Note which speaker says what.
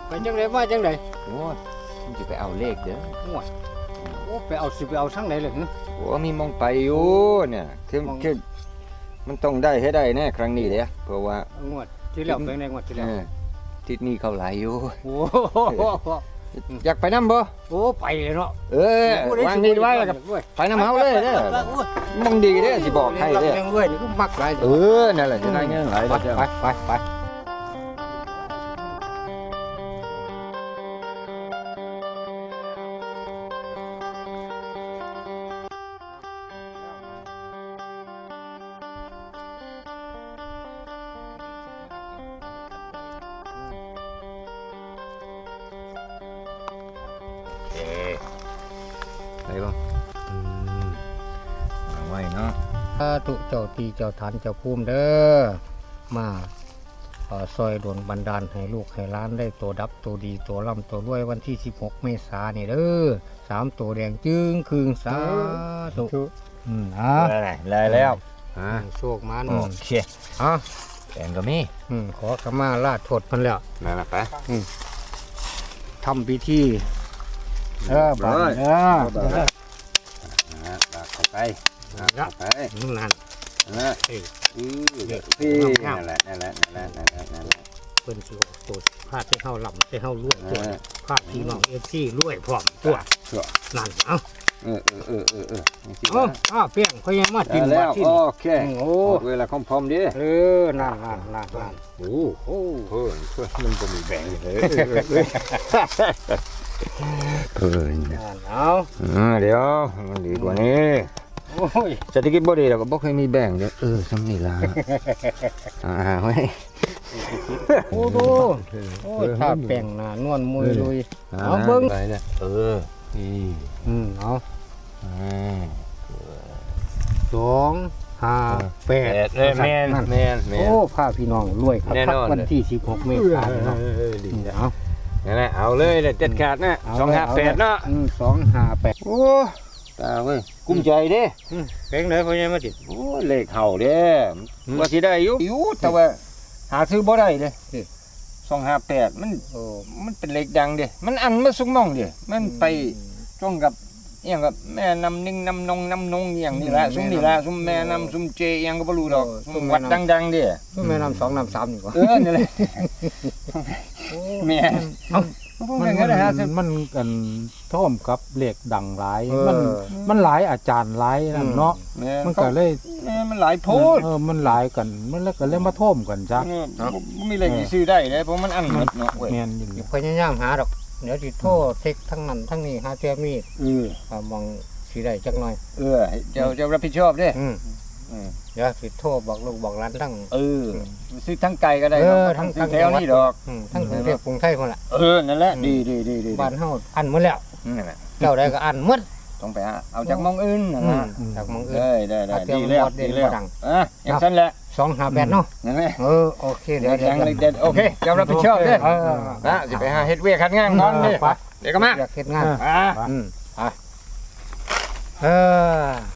Speaker 1: ไปจังไดมาจังได
Speaker 2: โอ้มันจะไปเอาเลขเด้อ
Speaker 1: โอ้ไปเอาสิไปเอาทั้งไหนเลยหึ
Speaker 2: โอ้มีมองไปอยู่เนี่ยคือมันต้องได้ให้ได้แน่ครั้งนี้เลยเพราะว่าง
Speaker 1: วดที่แล้วเป็นไงงวดที่แล้ว
Speaker 2: ทิศนี้เขาหลายอยู่
Speaker 1: โอ้
Speaker 2: อยากไปน้ำบ่
Speaker 1: โอ้ไปเลยเนาะ
Speaker 2: วางนี่ไว้แล้วกับไปน้ำเฮาเลยเด้อมองดีเด้อสิบอกให้เด้อ
Speaker 1: ยังเว้ยนี่ก็มักหลาย
Speaker 2: นั่นแหละจะได้เงินหลาย
Speaker 1: ไป
Speaker 2: เด้อ
Speaker 1: ไป
Speaker 2: ไปบ่วางไว้เนาะ
Speaker 1: สาธุเจ้าตีเจ้าฐานเจ้าภูมิเด้อมาซอยโดนบันดาลให้ลูกให้หล้านได้ตัวดับตัวดีตัวร่ำตัวรวยวันที่16 เมษายนนี่เด้อ3ตัวแดงจึงคืงสาธุ
Speaker 2: ได้แล้ว
Speaker 1: โชคมัน
Speaker 2: โอเค
Speaker 1: อ่ะ
Speaker 2: แกงก็มี
Speaker 1: ขอขมาลาโทษเพิ่นแล้ว
Speaker 2: นั่นแหละไป
Speaker 1: ทำพิธีบ้าน
Speaker 2: เข้าไปไป
Speaker 1: นั่น
Speaker 2: พี่นั่นแหละ
Speaker 1: เพิ่นสิตัวพาดให้เฮาลำให้เฮารวยตัวพาดพี่น้องFCรวยพร้อมตัวนั่นเอ้าเปี้ยงเขายังมากินมาที่
Speaker 2: โอเคเวลาคอมพร้อมดิ
Speaker 1: นั่น
Speaker 2: โอ้โหเพิ่นมันก็มีแบ่งเลยเพิ่นเดี๋ยวมันดีกว่านี้เศรษฐกิจบ่ดีแล้วก็บ่เคยมีแบ่งเด้อซ้ำนี่ล่ะเฮ้ย
Speaker 1: โอ้ดูถ้าแป้งหน้านวลมุยลุยเอาเบิ่ง
Speaker 2: นี่
Speaker 1: เอา2 5 8
Speaker 2: แม่น
Speaker 1: โอ้พาพี่น้องรวยครับวันที่16 เมษายนเนาะเอา
Speaker 2: นั่นแหละเอาเลยเด็ดขาดนะ258เนาะ
Speaker 1: 258
Speaker 2: โอ้ตาเว้ยกุ้มใจเด้
Speaker 1: เป็นเลยพ่อใหญ่มาติด
Speaker 2: โอ้เลขเฮาเด้ว่าสิได้อยู่แต่ว่าหาซื้อบ่ได้เด้258มันเป็นเลขดังเด้มันอันมาสุกมองเด้มันไปตรงกับอีหยังกับแม่น้ำนิ่งน้ำนงอย่างนี้ล่ะซุมนี่ล่ะซุมแม่น้ำซุมเจอีหยังก็บ่รู้ดอกซุมวัดดังๆเด้
Speaker 1: ซุมแม่น้ำ2น้ำ3นี่กว่า
Speaker 2: นี่แหละแม่
Speaker 3: มันกันท่อมกับเหล็กดังหลายมันหลายอาจารย์หลายนั่นเนาะมันก็เลย
Speaker 2: มันหลายโพด
Speaker 3: มันหลายกันมันแล้วก็เลยมาท่อมกันจ้ะ
Speaker 2: มีเลขที่ซื้อได้เลยเพราะมันอันหมดเนาะ
Speaker 3: แม่นอยู่
Speaker 1: พยายามหาดอกเดี๋ยวสิโทรเช็คทั้งนั้นทั้งนี้หาเจอมีมองสิได้จักหน่อย
Speaker 2: เจ้ารับผิดชอบเด้
Speaker 1: เดี๋ยวสิโทรบอกลูกบอกหลานทั้ง
Speaker 2: ซื้อทั้งไก่ก็ได้ทั้งแถวนี้ดอก
Speaker 1: ทั้งกรุงเทพกรุงไทยคนละ
Speaker 2: นั่นแหละดี
Speaker 1: บ้านเฮาอันหมดแล้วเจ้าได้ก็อันหมด
Speaker 2: ต้องไปเอาจากมองอื่น
Speaker 1: จากมองอื่น
Speaker 2: ได้ดีแล้วอย่างนั้นแหละ
Speaker 1: 258เนาะ
Speaker 2: นั่นแหละ
Speaker 1: โอเคเดี๋ยว
Speaker 2: โอเคเจ้ารับผิดชอบเด้สิไปหาเฮ็ดเวียกคัดงานนอนเด้เดี๋ยวก็มา
Speaker 1: เฮ็ดงาน